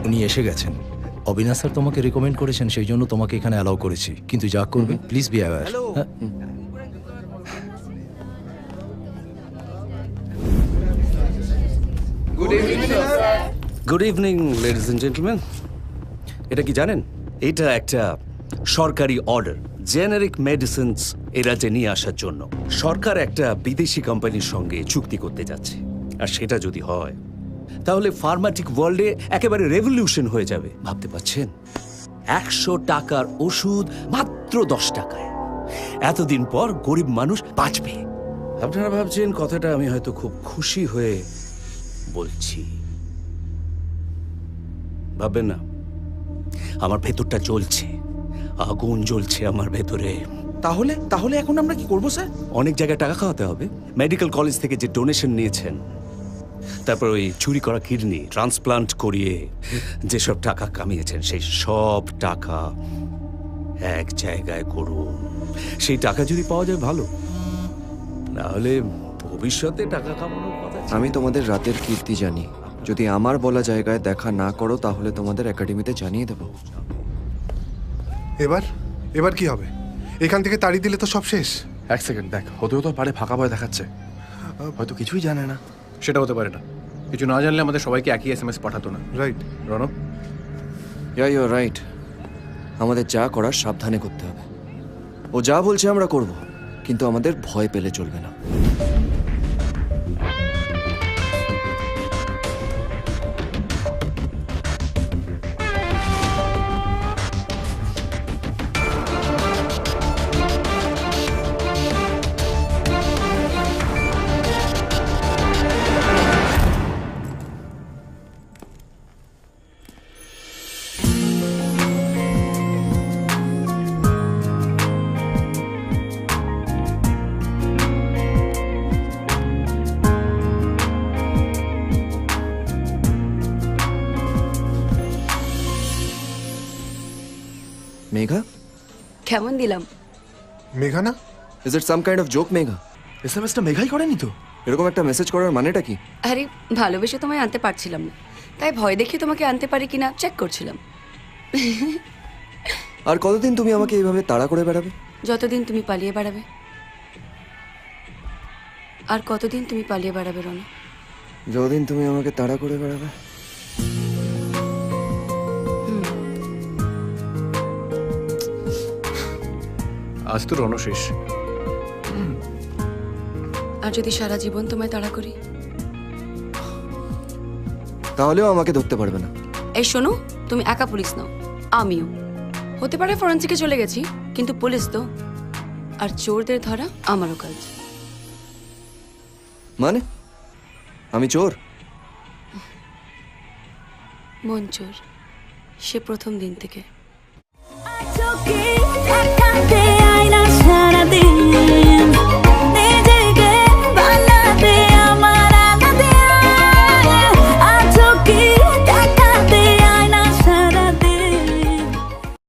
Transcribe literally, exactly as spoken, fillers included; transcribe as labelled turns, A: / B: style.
A: উনি এসে গেছেন। অবিনাশ স্যার তোমাকে রেকমেন্ড করেছেন, সেই জন্য তোমাকে এখানে অ্যালাউ করেছি। কিন্তু যা করবে please be aware.
B: Good evening ladies and gentleman. এটা কি জানেন, এটা একটা সরকারি অর্ডার জেনারিক মেডিসিনস এ রাজ্যে নিয়ে আসার জন্য। সরকার একটা বিদেশি কোম্পানির সঙ্গে চুক্তি করতে যাচ্ছে, আর সেটা যদি হয় তাহলে ফার্মাটিক ওয়ার্ল্ডে একেবারে রেভলিউশন হয়ে যাবে। ভাবতে পারছেন, একশো টাকার ওষুধ মাত্র দশ টাকায়। এতদিন পর গরিব মানুষ বাঁচবে। আপনারা ভাবছেন কথাটা আমি হয়তো খুব খুশি হয়ে বলছি, ভাববেন না। আমার ভেতরটা জ্বলছে, আগুন জ্বলছে আমার ভেতরে।
C: তাহলে তাহলে এখন আমরা কি করবো স্যার?
B: অনেক জায়গায় টাকা খাওয়াতে হবে। মেডিকেল কলেজ থেকে যে ডোনেশন নিয়েছেন, তারপর ওই চুরি করা কিডনি ট্রান্সপ্লান্ট করিয়ে যেসব টাকা কামিয়েছেন, সেই সব টাকা এক জায়গায় করুন। সেই টাকা যদি পাওয়া যায় ভালো, না হলে ভবিষ্যতে টাকা কামানোর কথা।
D: আমি তোমাদের রাতের কীর্তি জানি। যদি আমার বলা জায়গায় দেখা না করো তাহলে তোমাদের একাডেমিতে জানিয়ে দেবো।
E: এবার এবার কি হবে? এখান থেকে তাড়ি দিলে তো সব শেষ।
C: এক সেকেন্ড দেখ, হতেও তো পারে ফাঁকা ভয় দেখাচ্ছে, হয়তো কিছুই জানে না।
F: সেটা হতে পারে না। কিছু না জানলে আমাদের সবাইকে একই এস এম এস পাঠাতো না।
E: Right
F: Ranab,
D: yeah you right. আমাদের যা করার সাবধানে করতে হবে। ও যা বলছে আমরা করব, কিন্তু আমাদের ভয় পেলে চলবে না। মেঘা,
G: কেমন দিলাম?
E: মেঘা না?
D: Is it some kind of joke Megha?
C: S M এসটা মেঘাই করেনি তো?
D: এরকম একটা মেসেজ করার মানেটা কি?
G: আরে ভালোবেসে তোমায় আনতে পারছিলাম না, তাই ভয় দেখে তোমাকে আনতে পারি কিনা চেক করছিলাম।
D: আর কতদিন তুমি আমাকে এইভাবে তাড়া করে বেড়াবে?
G: যতদিন তুমি পালিয়ে বেড়াবে। আর কতদিন তুমি পালিয়ে বেড়াবে রনা?
D: যতদিন তুমি আমাকে তাড়া করে বেড়াবে।
F: আজ তো রণ শেষ।
G: আর যদি সারা জীবন তোমায় তাড়া করি?
D: তাহলেও আমাকে ধরতে পারবে না।
G: এই শোনো, তুমি একা পুলিশ নাও, আমিও। হতে পারে ফরেন্সিকে চলে গেছি, কিন্তু পুলিশ তো। আর চোরদের ধরা আমারও কাজ।
D: মানে আমি চোর?
G: মন চোর, সে প্রথম দিন থেকে।
H: I took it, I can't